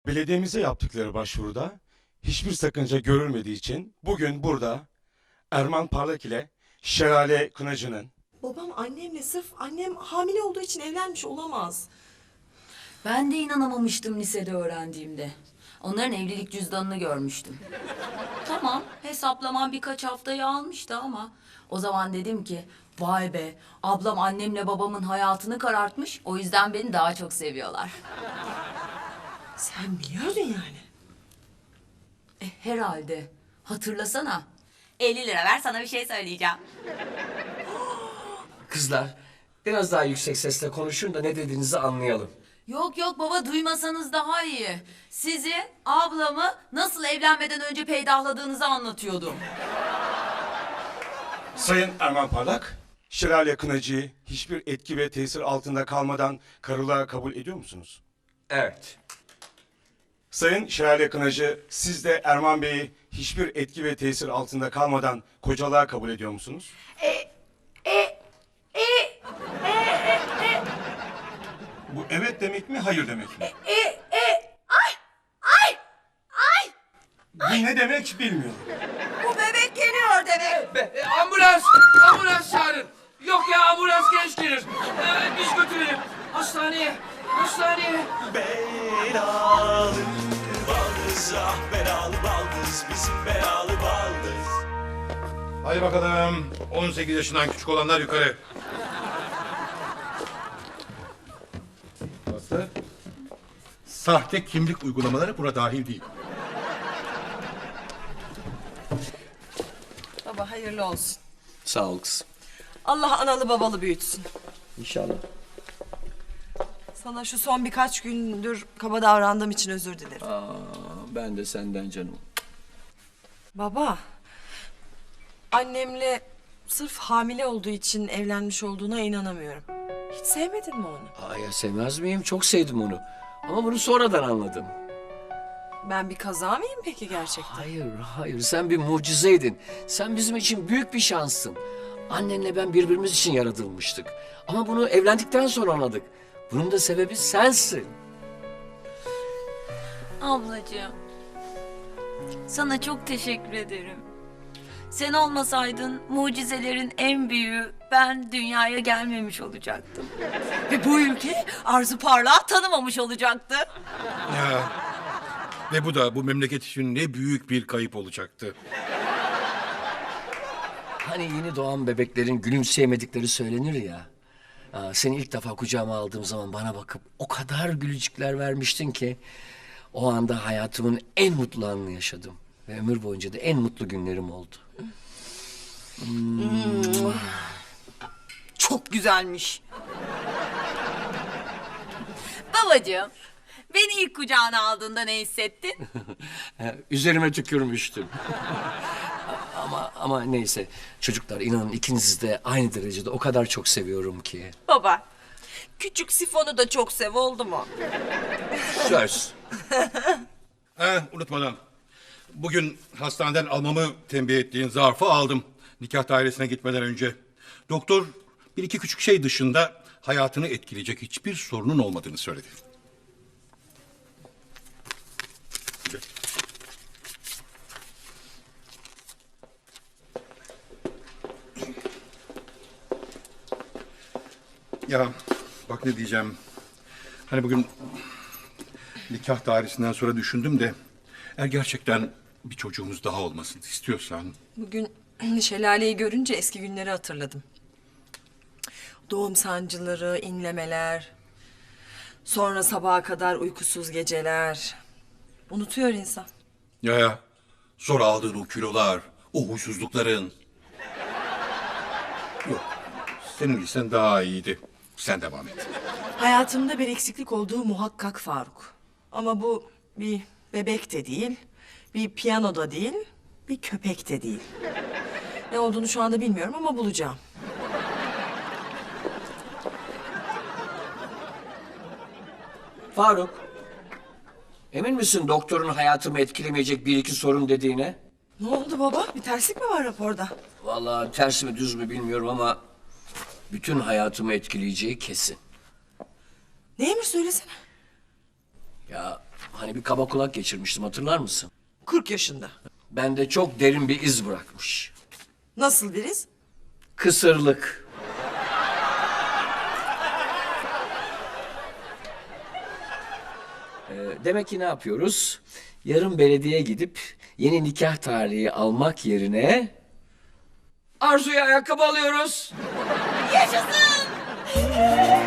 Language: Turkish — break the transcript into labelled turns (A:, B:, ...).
A: Belediyemize yaptıkları başvuruda hiçbir sakınca görülmediği için bugün burada Erman Parlak ile Şelale Kınacı'nın
B: Babam annemle sırf annem hamile olduğu için evlenmiş olamaz.
C: Ben de inanamamıştım lisede öğrendiğimde. Onların evlilik cüzdanını görmüştüm. Tamam, hesaplamam birkaç haftayı almıştı ama o zaman dedim ki vay be, ablam annemle babamın hayatını karartmış. O yüzden beni daha çok seviyorlar.
B: Sen biliyordun yani.
C: Herhalde. Hatırlasana. 50 lira ver, sana bir şey söyleyeceğim.
D: Kızlar, biraz daha yüksek sesle konuşun da ne dediğinizi anlayalım.
C: Yok yok baba, duymasanız daha iyi. Sizin ablamı nasıl evlenmeden önce peydahladığınızı anlatıyordum.
A: Sayın Erman Parlak, Şelale Kınacı'yı hiçbir etki ve tesir altında kalmadan karılığa kabul ediyor musunuz?
D: Evet.
A: Sayın Şelale Kınacı, siz de Erman Bey'i hiçbir etki ve tesir altında kalmadan kocalığa kabul ediyor musunuz? Bu evet demek mi, hayır demek mi? Bu ne demek bilmiyorum.
B: Bu bebek geliyor demek.
D: Ambulans! Ambulans çağırın! Yok ya, ambulans geç gelir. Biz götürelim. Hastaneye! Hastaneye!
E: Belalı baldız, ah belalı baldız, bizim belalı baldız.
F: Hadi bakalım. 18 yaşından küçük olanlar yukarı. Aslı. Sahte kimlik uygulamaları buna dahil değil.
B: Baba hayırlı olsun.
D: Sağ ol kızım.
B: Allah analı babalı büyütsün.
D: İnşallah.
B: Sana şu son birkaç gündür kaba davrandığım için özür dilerim.
D: Ben de senden canım.
B: Baba, annemle sırf hamile olduğu için evlenmiş olduğuna inanamıyorum. Hiç sevmedin mi onu?
D: Ya sevmez miyim? Çok sevdim onu. Ama bunu sonradan anladım.
B: Ben bir kaza mıyım peki gerçekten?
D: Hayır, hayır. Sen bir mucizeydin. Sen bizim için büyük bir şanssın. Annenle ben birbirimiz için yaratılmıştık. Ama bunu evlendikten sonra anladık. Bunun da sebebi sensin.
C: Ablacığım, sana çok teşekkür ederim. Sen olmasaydın mucizelerin en büyüğü ben dünyaya gelmemiş olacaktım. Ve bu ülke Arzu Parlak'ı tanımamış olacaktı.
F: Ya. Ve bu da bu memleket için ne büyük bir kayıp olacaktı.
D: Hani yeni doğan bebeklerin gülümseyemedikleri söylenir ya. Seni ilk defa kucağıma aldığım zaman bana bakıp o kadar gülücükler vermiştin ki... ...o anda hayatımın en mutlu anını yaşadım. Ve ömür boyunca da en mutlu günlerim oldu.
B: Çok güzelmiş.
C: Babacığım, beni ilk kucağına aldığında ne hissettin?
D: Üzerime tükürmüştün. Ama neyse. Çocuklar, inanın ikinizi de aynı derecede o kadar çok seviyorum ki.
B: Baba, küçük sifonu da çok sev oldu mu?
D: Söz.
F: Unutmadan. Bugün hastaneden almamı tembih ettiğin zarfı aldım. Nikah dairesine gitmeden önce. Doktor bir iki küçük şey dışında hayatını etkileyecek hiçbir sorunun olmadığını söyledi. Ya bak ne diyeceğim. Hani bugün nikah dairesinden sonra düşündüm de... ...eğer gerçekten bir çocuğumuz daha olmasını istiyorsan...
B: Bugün Şelale'yi görünce eski günleri hatırladım. Doğum sancıları, inlemeler... ...sonra sabaha kadar uykusuz geceler... Unutuyor insan.
F: Ya sonra aldığın o kilolar, o huysuzlukların... Yok, senin listen daha iyiydi. Sen devam et.
B: Hayatımda bir eksiklik olduğu muhakkak Faruk. Ama bu bir bebek de değil, bir piyano da değil, bir köpek de değil. Ne olduğunu şu anda bilmiyorum ama bulacağım.
D: Faruk. Emin misin doktorun hayatımı etkilemeyecek bir iki sorun dediğine?
B: Ne oldu baba? Bir terslik mi var raporda?
D: Vallahi ters mi düz mü bilmiyorum ama... ...bütün hayatımı etkileyeceği kesin.
B: Neymiş söylesene.
D: Ya Hani bir kaba kulak geçirmiştim, hatırlar mısın?
B: 40 yaşında.
D: Bende çok derin bir iz bırakmış.
B: Nasıl biriz?
D: Kısırlık. Demek ki ne yapıyoruz? Yarın belediyeye gidip yeni nikah tarihi almak yerine Arzu'ya ayakkabı alıyoruz.
C: Yaşasın!